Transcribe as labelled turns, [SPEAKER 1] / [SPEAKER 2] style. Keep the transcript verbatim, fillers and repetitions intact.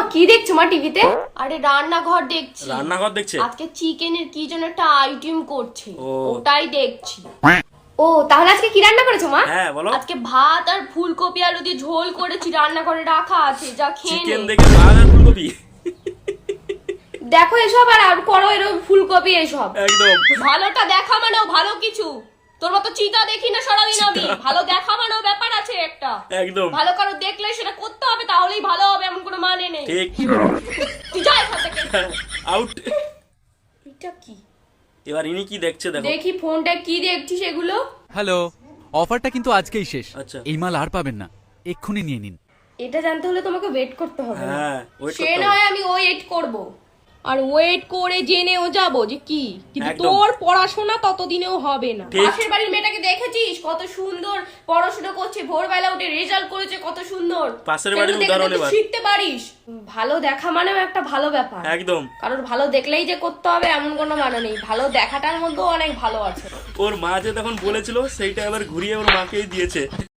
[SPEAKER 1] কি দেখছো মা টিভিতে? আরে রান্নাঘর দেখছি।
[SPEAKER 2] রান্নাঘর দেখছে?
[SPEAKER 1] আজকে চিকেনের কি যেন একটা আইটেম করছে,
[SPEAKER 2] ও।
[SPEAKER 1] ওটাই দেখছি। ও তাহলে আজকে কি রান্না করেছো মা?
[SPEAKER 2] হ্যাঁ বলো।
[SPEAKER 1] আজকে ভাত আর ফুলকপি আলু দিয়ে ঝোল করেছি, রান্না করে রাখা আছে, যা খেয়ে
[SPEAKER 2] চিকেন
[SPEAKER 1] নে।
[SPEAKER 2] দেখে ভাত আর ফুলকপি।
[SPEAKER 1] দেখো এসব আর আর করো এরকম ফুলকপি এসব।
[SPEAKER 2] একদম
[SPEAKER 1] ভালোটা দেখা মানেও ভালো কিছু। তোর মতো চিতা দেখি না সারাদিন আমি। ভালো দেখা মানেও ব্যাপার আছে একটা।
[SPEAKER 2] একদম
[SPEAKER 1] ভালো কারো দেখলে সেটা করতে হবে, তাহলেই ভালো হবে, এমন কোনো মানে নেই।
[SPEAKER 2] ঠিক।
[SPEAKER 1] তুই যা এখান থেকে।
[SPEAKER 2] আউট।
[SPEAKER 1] এটা কি?
[SPEAKER 2] এবার ইনি কি দেখছে দেখো।
[SPEAKER 1] দেখি ফোনটা কি দেখছিস এগুলো?
[SPEAKER 3] হ্যালো, অফারটা কিন্তু আজকেই শেষ।
[SPEAKER 2] আচ্ছা।
[SPEAKER 3] এই মাল আর পাবেন না, এক্ষুনি নিয়ে নিন।
[SPEAKER 1] এটা জানতে হলে তোমাকে ওয়েট করতে হবে।
[SPEAKER 2] হ্যাঁ wait
[SPEAKER 1] সে
[SPEAKER 2] করতে হবে।
[SPEAKER 1] নয় আমি ওয়েট করব, আর ওয়েট করে জেনেও যাব যে কি, কিন্তু
[SPEAKER 2] একদম।
[SPEAKER 1] তোর পড়াশোনা ততদিনেও হবে না।
[SPEAKER 2] ঠিক।
[SPEAKER 1] পাশের বাড়ির মেয়েটাকে দেখেছিস কত সুন্দর পড়াশোনা করছে, ভোরবেলা উঠে রেজাল্ট করেছে কত সুন্দর।
[SPEAKER 2] পাশের বাড়ির
[SPEAKER 1] সেগুলো দেখে
[SPEAKER 2] উদাহরণ
[SPEAKER 1] তুই
[SPEAKER 2] এবার।
[SPEAKER 1] শিখতে পারিস। ভালো দেখা মানেও একটা ভালো ব্যাপার।
[SPEAKER 2] একদম।
[SPEAKER 1] কারণ ভালো দেখলেই যে করতে হবে এমন কোনো মানে নেই, ভালো দেখাটার মধ্যেও অনেক ভালো আছে।
[SPEAKER 2] ওর মা যে তখন বলেছিল সেইটা এবার ঘুরিয়ে ওর মাকেই দিয়েছে।